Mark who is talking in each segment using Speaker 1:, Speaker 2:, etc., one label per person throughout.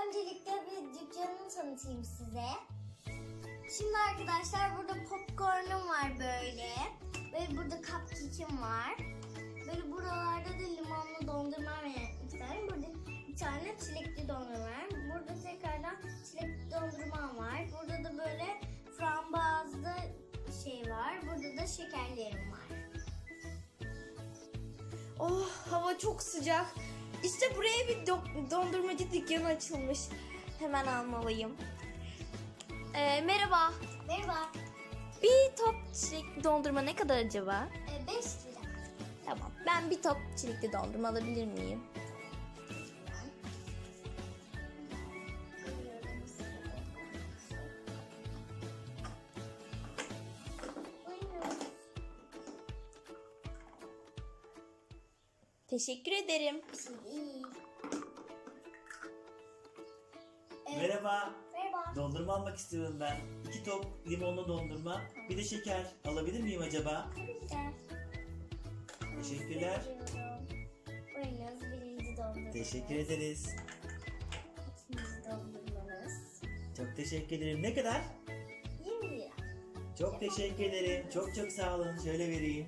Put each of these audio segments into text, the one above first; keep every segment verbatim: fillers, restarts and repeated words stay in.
Speaker 1: öncelikle bir dükkanımı tanıtayım size. Şimdi arkadaşlar burada popcornum var böyle. Böyle burada cupcake'im var. Böyle buralarda da limonlu dondurma var iki tane. Burada bir tane çilekli dondurma var. Burada tekrardan çilekli dondurma var. Burada da böyle frambuazlı şey var. Burada da şekerlerim var.
Speaker 2: Oh, hava çok sıcak. İşte buraya bir do- dondurmacı dükkanı açılmış. Hemen almalıyım. Ee, merhaba.
Speaker 1: Merhaba.
Speaker 2: Bir top çilekli dondurma ne kadar acaba?
Speaker 1: E, beş lira.
Speaker 2: Tamam. Ben bir top çilekli dondurma alabilir miyim? Teşekkür ederim.
Speaker 1: İyi.
Speaker 3: Merhaba.
Speaker 1: Merhaba.
Speaker 3: Dondurma almak istiyorum ben. İki top limonlu dondurma. Bir de şeker. Alabilir miyim acaba?
Speaker 1: Güzel.
Speaker 3: Teşekkürler.
Speaker 1: Buyurunuz birinci dondurmanız.
Speaker 3: Teşekkür ederiz.
Speaker 1: İkinci dondurmanız.
Speaker 3: Çok teşekkür ederim. Ne kadar?
Speaker 1: yirmi lira.
Speaker 3: Çok teşekkür ederim. Çok çok sağ olun. Şöyle vereyim.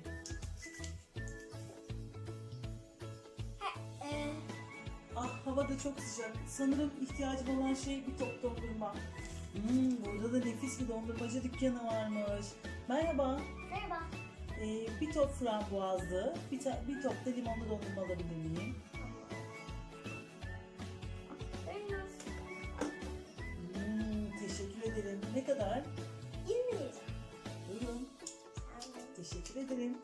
Speaker 1: Ha, e,
Speaker 4: Ah, hava da çok sıcak. Sanırım ihtiyacım olan şey bir top dondurma. Hmm, burada da nefis bir dondurmacı dükkanı varmış. Merhaba.
Speaker 1: merhaba.
Speaker 4: Ee, bir top frambuazlı, bir, ta- bir top da limonlu dondurma alabilir miyim?
Speaker 1: Buyurunuz.
Speaker 4: Hmm, teşekkür ederim. Ne kadar?
Speaker 1: yirmi lira.
Speaker 4: Buyurun. Teşekkür ederim.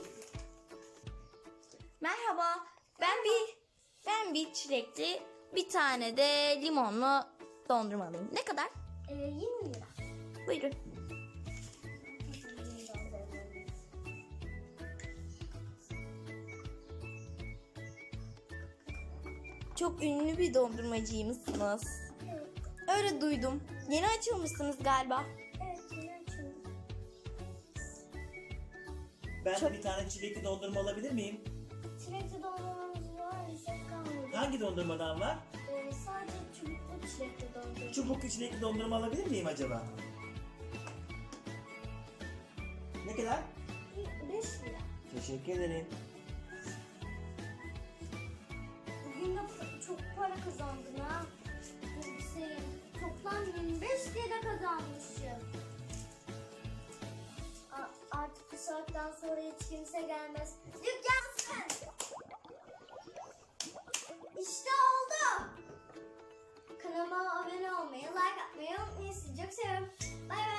Speaker 2: Merhaba. Ben bir ben bir çilekli, bir tane de limonlu dondurma alayım. Ne kadar?
Speaker 1: E, yirmi lira.
Speaker 2: Buyurun. Çok ünlü bir dondurmacıymışsınız.
Speaker 1: Evet,
Speaker 2: Öyle duydum. Yeni açılmışsınız galiba.
Speaker 1: evet yine açıldı.
Speaker 3: Ben
Speaker 2: Çok-
Speaker 3: bir tane çilekli dondurma alabilir miyim?
Speaker 1: Çilekli dondurmamız var, reçet kalmadı.
Speaker 3: Hangi dondurmadan var?
Speaker 1: E, sadece çubuklu çilekli dondurma.
Speaker 3: Çubuklu çilekli dondurma alabilir miyim acaba? Ne kadar?
Speaker 1: beş lira.
Speaker 3: Teşekkür ederim.
Speaker 1: Bugün de çok para kazandın ha. Hüseyin. Toplam yirmi beş lira kazanmışım. A- artık bu saatten sonra hiç kimse gelmez. Dükkansın. İşte oldu. Kanalıma abone olmayı, like atmayı unutmayın. Sizi çok seviyorum. Bay bay.